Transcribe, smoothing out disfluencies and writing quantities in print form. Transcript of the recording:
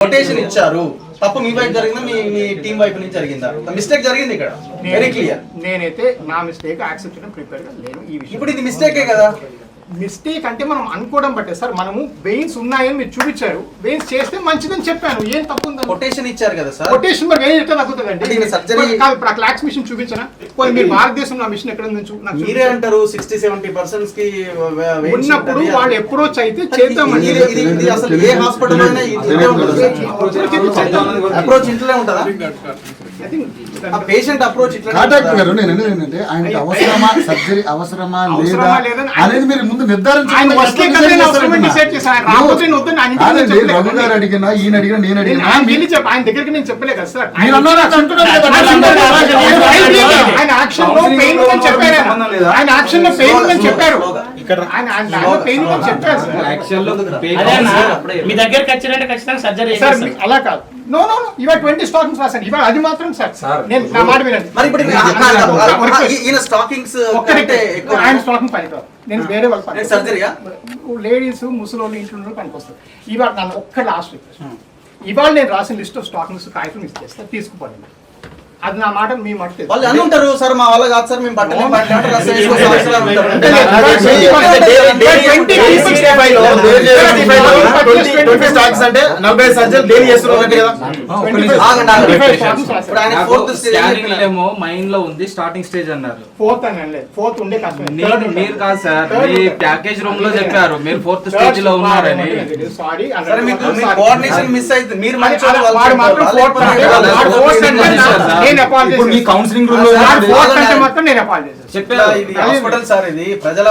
Quotation ఇచ్చారు, తప్పు మీ వైపు జరిగిందా మీ టీం వైపు నుంచి జరిగిందా? మిస్టేక్ జరిగింది ఇక్కడ, వెరీ క్లియర్. నేనైతే నా మిస్టేక్ యాక్సెప్ట్ చేయడం ప్రిపేర్ గా లేను. ఈ విషయం ఇప్పుడు ఇది మిస్టేకే కదా. మిస్టేక్ అంటే మనం అనుకోవడం బట్టే సార్. మనము వెయిన్స్ ఉన్నాయని మీరు చూపించారు, వెయిన్స్ చేస్తే మంచిదని చెప్పాను, ఏం తప్పు ఉందని. కొటేషన్ ఇచ్చారు కదా సార్. కొటేషన్ మరి వెయిన్ ఎట్లా తగ్గుతుందండి? సర్జరీ ఇప్పుడు క్లాక్స్ మిషన్ చూపించనా? మీరు భారతదేశంలో ఆ మిషన్ ఎక్కడ ఉందని మీరే అంటారు 60-70% కి ఉన్నప్పుడు వాళ్ళు అప్రోచ్ అయితే చేద్దామండి. ఇది అసలు ఏ హాస్పిటల్ అయినా అప్రోచ్ ఇంట్లోనే ఉంటుందా? పేషెంట్ అప్రోచ్ ఇట్లా నేను ఏంటంటే ఆయనకి అవసరమా సర్జరీ అవసరమా లేదా అనేది మీరు ముందు నిర్ధారించుకోండి. రఘు గారు అడిగినా ఈయన అడిగినా నేను అడిగినా ఆయన దగ్గరికి నేను చెప్పలే కదా సార్. మీరు అన్నారు ఆయన యాక్షన్ లో పెయిన్ ఉందని చెప్పారు. ఆయన యాక్షన్ లో పెయిన్ ఉందని చెప్పారు. పెయిన్ ఉందని చెప్పారు మీ దగ్గరికి వచ్చినట్టు ఖచ్చితంగా సర్జరీ అలా కాదు. నో నో ఇవాళ 20 స్టాకింగ్స్ రాశాను ఇవాళ, అది మాత్రం సార్ నేను నా మాట వినండి. మరి ఇప్పుడు ఈయన స్టాకింగ్స్ ఆయన స్టాకింగ్ పని కాదు, నేను వేరే వాళ్ళు సర్జరీయా లేడీస్ ముసలోళ్ళు ఇంట్లో పనికి వస్తారు. ఇవాళ నన్ను ఒక్క లాస్ట్ రిక్వెస్ట్, ఇవాళ నేను రాసిన లిస్ట్ ఆఫ్ స్టాకింగ్స్ కాగితం ఇచ్చేస్తా, తీసుకుపోండి. అది నా మాట మీ మాట వాళ్ళు అని ఉంటారు సార్, మా వాళ్ళ కాదు సార్, మేము బట్టలు మైండ్ లో ఉంది స్టార్టింగ్ స్టేజ్ అన్నారు. ఫోర్త్ ఉండే మీరు కాదు సార్, మీ ప్యాకేజ్ రూమ్ లో చెప్పారు మీరు 4th స్టేజ్ లో ఉన్నారని. కోఆర్డినేషన్ మిస్ అయితే మీరు కౌన్సిలింగ్ రూమ్ లో చెప్పారు. ఇది హాస్పిటల్ సార్, ఇది ప్రజల